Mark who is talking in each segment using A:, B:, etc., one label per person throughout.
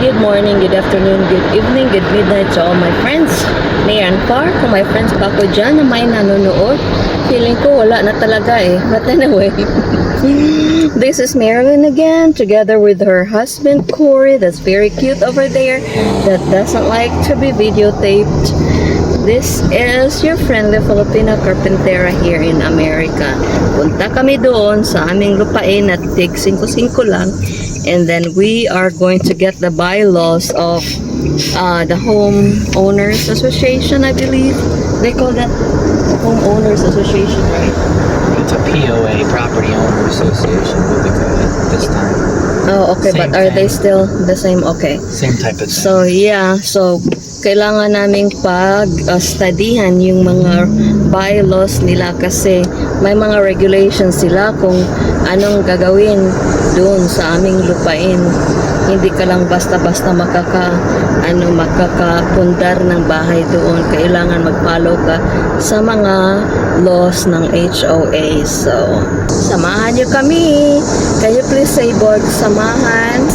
A: Good morning, good afternoon, good evening, good midnight to all my friends. Near and far, kung may friends pa ako dyan na may nanonood, feeling ko wala na talaga eh. But anyway, this is Marilyn again, together with her husband Corey, that's very cute over there, that doesn't like to be videotaped. This is your friendly Filipina carpentera here in America. Punta kami doon sa aming lupain at tig 5-5 lang. And then we are going to get the bylaws of the homeowners association, I believe. They call that homeowners association, right?
B: It's a POA, Property Owner Association, what we call it this time.
A: Oh, okay.
B: Same
A: But are they
B: thing.
A: still the same? Okay.
B: Same type of thing.
A: So, yeah. So, kailangan naming pag-studyhan yung mga bylaws nila kasi may mga regulations sila kung anong gagawin doon sa aming lupain. Hindi ka lang basta-basta makakapundar ng bahay doon. Kailangan mag-follow ka sa mga laws ng HOA. So, samahan nyo kami. Can you please say board? Samahan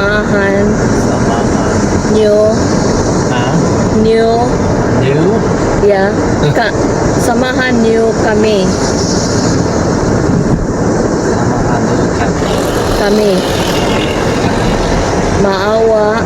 A: nyo.
B: New?
A: Yeah. Samahan nyo kami. Kami. Maawa.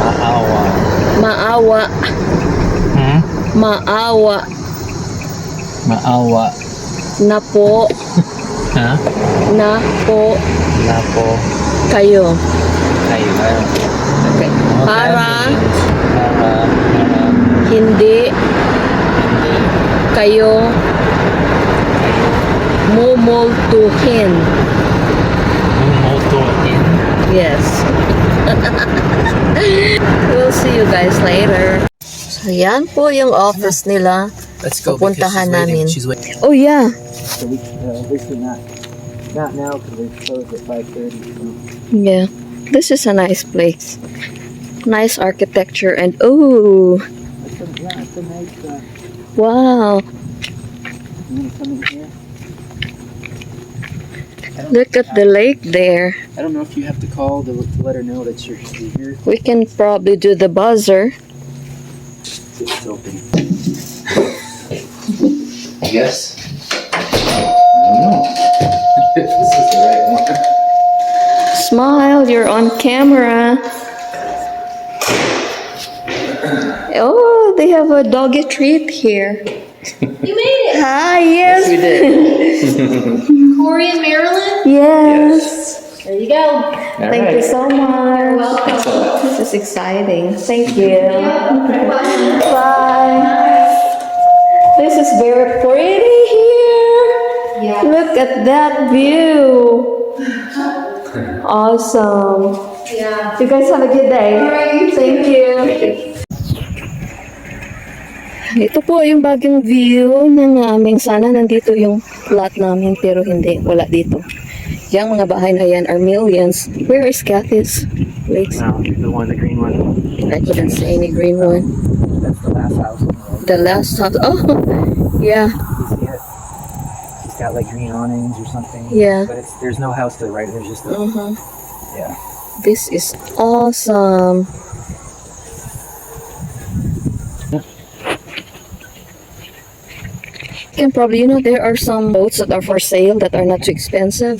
B: Maawa.
A: Na po.
B: Ha?
A: Na po. Kayo.
B: Kayo.
A: Okay. Para
B: Hindi.
A: hindi kayo mumultuhin.
B: Mumultuhin.
A: Yes. We'll see you guys later. So, yan po yung office nila.
B: Let's go.
A: Pupuntahan namin.
B: She's waiting.
A: Oh, yeah.
B: So we obviously not now because we're closed at 5:30.
A: Yeah. This is a nice place. Nice architecture and oh,
B: It's a nice.
A: wow.
B: You want to come in here?
A: Look at the lake there.
B: I don't know if you have to call to let her know that you're here.
A: We can probably do the buzzer.
B: It's open. Yes. I don't know if this is the right one.
A: Smile, you're on camera. Oh, they have a doggy treat here.
C: You made it!
A: Hi, yes.
B: We did.
C: Corey and Marilyn?
A: Yes.
C: There you go.
A: Thank you so much.
C: welcome.
A: This is exciting. Thank you.
C: Bye.
A: Bye. This is very pretty here.
C: Yeah.
A: Look at that view. Awesome.
C: Yeah.
A: You guys have a good day.
C: Alright,
A: Thank you. Ito po yung bagong view ng aming sana nandito yung lot namin pero hindi, wala dito. Yung mga bahay na yan are millions. Where is Kathy's place?
B: No, the green one.
A: I couldn't see any green one.
B: That's the last house.
A: The last house. Oh, yeah.
B: You see it? It's got like green awnings or something.
A: Yeah.
B: But there's no house to the right. There's just a. Yeah.
A: This is awesome. You can probably, there are some boats that are for sale that are not too expensive.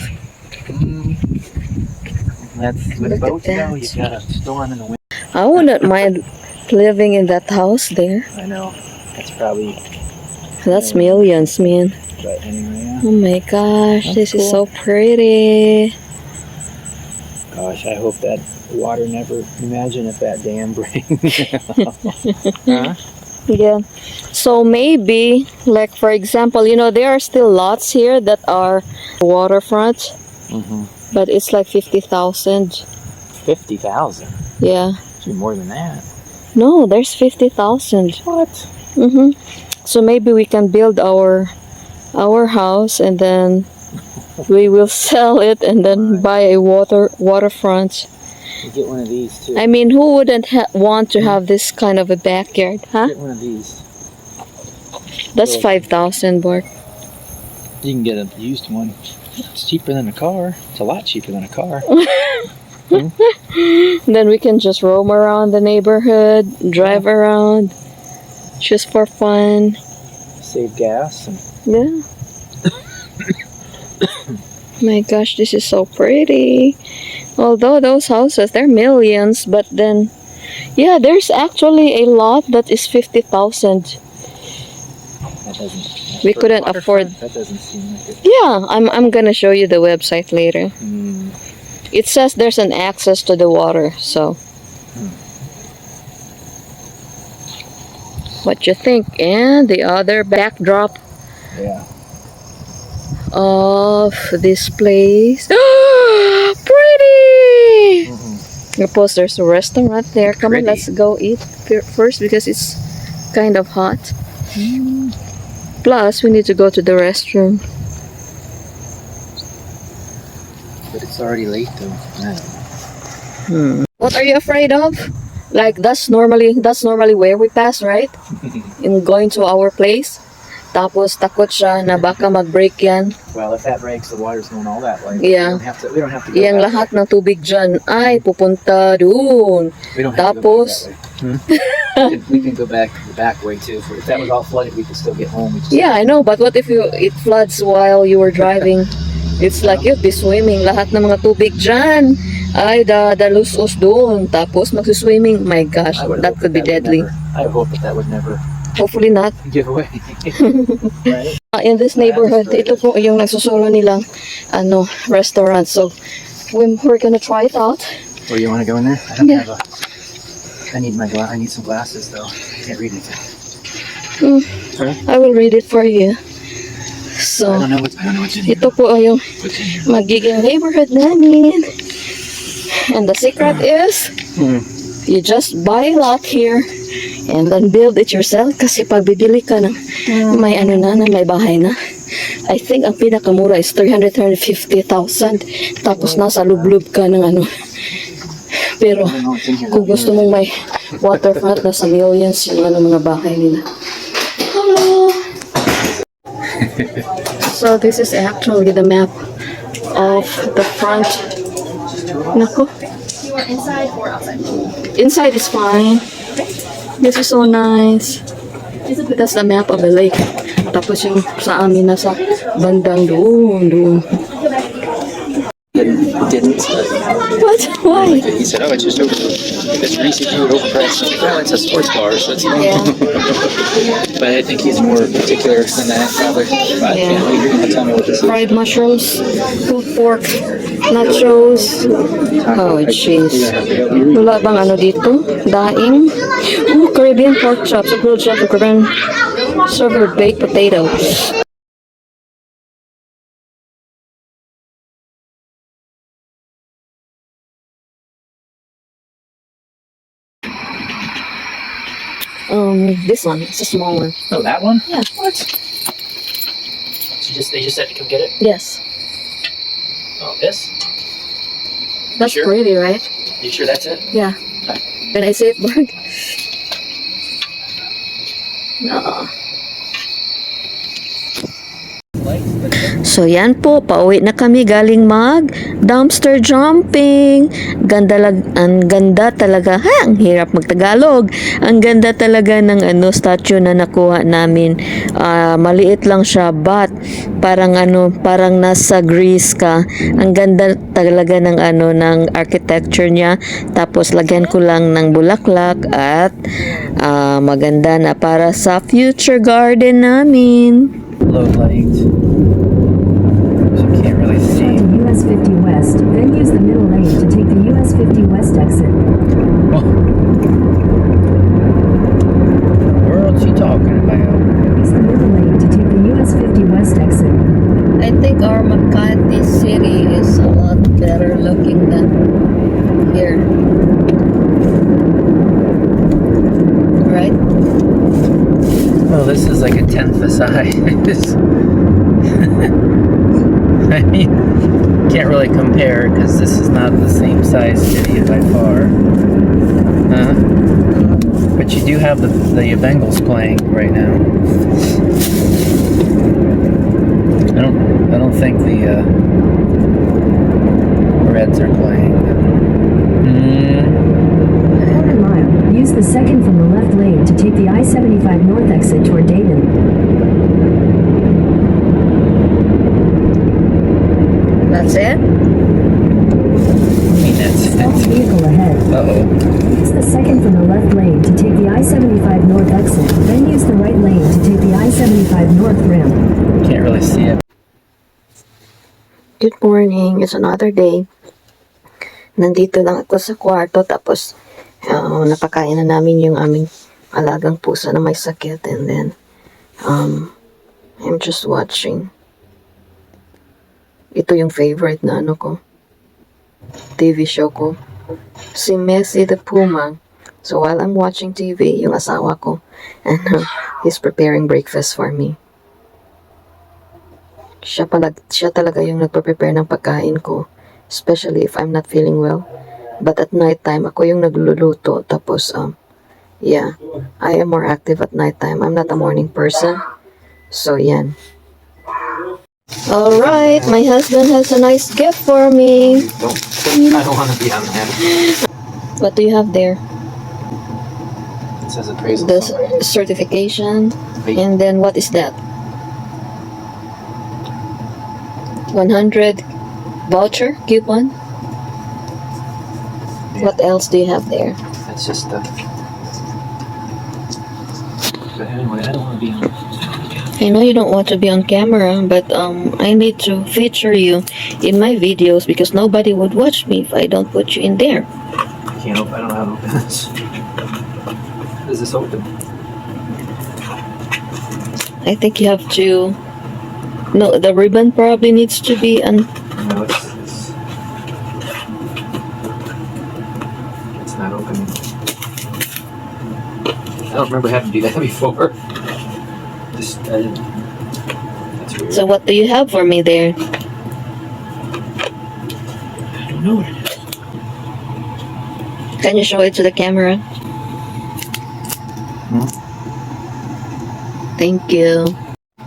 B: That's with
A: Look at
B: boats
A: that.
B: though. You've got a storm in the wind.
A: I wouldn't mind living in that house there.
B: I know. That's probably.
A: That's millions, man.
B: But anyway, yeah.
A: Oh my gosh,
B: That's
A: this is
B: cool.
A: so pretty.
B: Gosh, I hope that water never. Imagine if that dam breaks. Huh?
A: Yeah. So maybe, like for example, there are still lots here that are waterfront,
B: Mm-hmm.
A: but it's like 50,000.
B: 50,000.
A: Yeah.
B: Should be more than that.
A: No, there's 50,000.
B: What?
A: Mm-hmm. So maybe we can build our house and then we will sell it and then buy a waterfront.
B: You get one of these too.
A: I mean, who wouldn't want to have this kind of a backyard, huh?
B: Get one of these.
A: That's 5,000, Bart.
B: You can get a used one. It's cheaper than a car. It's a lot cheaper than a car.
A: Then we can just roam around the neighborhood, drive around, just for fun.
B: Save gas. And
A: Yeah. My gosh, this is so pretty. Although those houses, they're millions, but then, yeah, there's actually a lot that is 50,000.
B: that doesn't.
A: We
B: for
A: couldn't
B: waterfront,
A: afford.
B: That doesn't seem like it.
A: Yeah, I'm gonna show you the website later.
B: Hmm.
A: It says there's an access to the water, so. What you think? And the other backdrop
B: Yeah.
A: of this place. Pretty!
B: Mhm.
A: Suppose there's a restaurant there. Come on,
B: Pretty.
A: let's go eat first because it's kind of hot. Plus, we need to go to the restroom.
B: But it's already late though.
A: What are you afraid of? Like that's normally where we pass, right? In going to our place. Tapos takot siya na baka mag-break yan.
B: Well, if that breaks, the water's going all that way.
A: Yeah.
B: We don't have to go
A: Yang
B: that
A: lahat ng tubig dyan ay pupunta doon.
B: way. We don't have
A: Tapos,
B: to go back that way. We can go back the back way too. If that was all flooded, we could still get home. We just
A: yeah, I know, but what if it floods while you were driving? It's like you'd be swimming. Lahat ng mga tubig dyan ay dalusos doon. Tapos magsuswimming. My gosh,
B: I would
A: that
B: hope
A: could be
B: would
A: deadly.
B: I hope that would never
A: Hopefully not.
B: give away. Right?
A: In this neighborhood, ito po yung nagsusolo nilang restaurant. So, we're gonna try it out.
B: Or you want to go in there? I don't
A: Yeah.
B: have a. I need I need some glasses though. I can't read anything.
A: I will read it for you.
B: I
A: So,
B: don't know what to do.
A: ito po ay yung
B: What's in here?
A: magiging neighborhood namin. And the secret is, you just buy a lot here and then build it yourself kasi pag bibili ka ng may may bahay na. I think ang pinakamura is 350,000 tapos nasa lublub ka ng Pero
B: I don't know what's in here.
A: kung gusto mong may waterfront, nasa millions yung mga bahay nila. Hello! So this is actually the map of the front. Nako.
C: You want inside or outside?
A: Inside is fine. This is so nice. That's the map of the lake. Tapos yung sa amin nasa bandang doon.
B: It didn't.
A: What? Why?
B: He said, "Oh, it's just over. It's Reese drew it overpriced." Well, it's a sports bar, so it's.
A: Yeah.
B: But I think he's more particular than that, probably. But
A: Yeah.
B: you're gonna tell me what this is.
A: Fried mushrooms, pulled pork, nachos. Oh, jeez. Wala bang dito? Daing? Oh, Caribbean pork chops, a grilled chop, Caribbean served with baked potato. This one, it's a small one.
B: Oh, that one?
A: Yeah.
B: What? They just said to come get it.
A: Yes.
B: Oh, this?
A: That's
B: Sure.
A: pretty, right?
B: You sure that's it?
A: Yeah. Can I say it, Mark? No. So yan po, pauwi na kami galing mag dumpster jumping. Ang ganda talaga. Ang hirap magtagalog. Ang ganda talaga ng statue na nakuha namin. Maliit lang siya, but parang nasa Greece ka. Ang ganda talaga ng ng architecture niya. Tapos lagyan ko lang ng bulaklak at maganda na para sa future garden namin.
B: Low light. So you can't really see.
D: To US 50 West, then use the middle lane to take the US 50 West exit.
B: What the world's he talking about?
D: Use the middle lane to take the US 50 West exit.
A: I think our Makati city is a lot better looking than here. Right?
B: Well, this is like a tenth the size. I mean, can't really compare because this is not the same size city by far. But you do have the Bengals playing right now. I don't think the Reds are playing.
D: take the I-75 North exit toward Dayton.
A: That's it?
B: I mean, that's
D: Vehicle ahead.
B: uh-oh.
D: Use the second from the left lane to take the I-75 North exit, then use the right lane to take the I-75 North ramp.
B: Can't really see it.
A: Good morning. It's another day. Nandito lang ako sa kwarto tapos napakain na namin yung aming alagang pusa na may sakit and then I'm just watching. Ito yung favorite na ano ko. TV show ko. Si Messi the Puma. So while I'm watching TV, yung asawa ko and he's preparing breakfast for me. Siya talaga yung nagpe-prepare ng pagkain ko. Especially if I'm not feeling well. But at night time, ako yung nagluluto. Tapos, yeah, I am more active at night time. I'm not a morning person. So, yan. Alright, my husband has a nice gift for me.
B: I don't want to be on that.
A: What do you have there?
B: It says appraisal.
A: The
B: somewhere.
A: certification.
B: Wait.
A: And then what is that? 100 voucher coupon.
B: Yeah.
A: What else do you have there?
B: That's just But anyway, I don't want to be on.
A: I know you don't want to be on camera, but I need to feature you in my videos because nobody would watch me if I don't put you in there.
B: I can't open. I don't know how to open this. How does this open?
A: I think you have to. No, the ribbon probably needs to be
B: No, it's not opening. I don't remember having to do that before. That's weird.
A: So what do you have for me there?
B: I don't know what it is.
A: Can you show it to the camera? Thank you.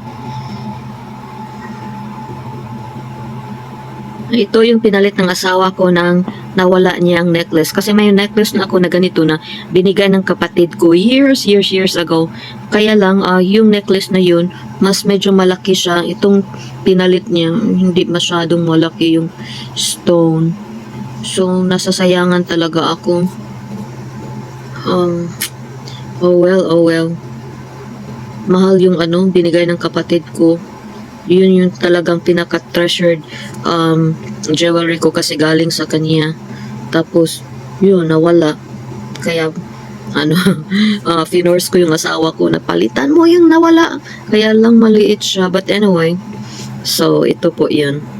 A: Ito yung pinalit ng asawa ko nang nawala niyang necklace. Kasi may necklace na ako na ganito na binigay ng kapatid ko years ago. Kaya lang, yung necklace na yun, mas medyo malaki siya. Itong pinalit niya, hindi masyadong malaki yung stone. So, nasasayangan talaga ako. Oh well. Mahal yung binigay ng kapatid ko. Yun yung talagang pinaka-treasured jewelry ko kasi galing sa kanya. Tapos, yun, nawala. Kaya, finors ko yung asawa ko na palitan mo yung nawala. Kaya lang maliit siya. But anyway, so ito po yun.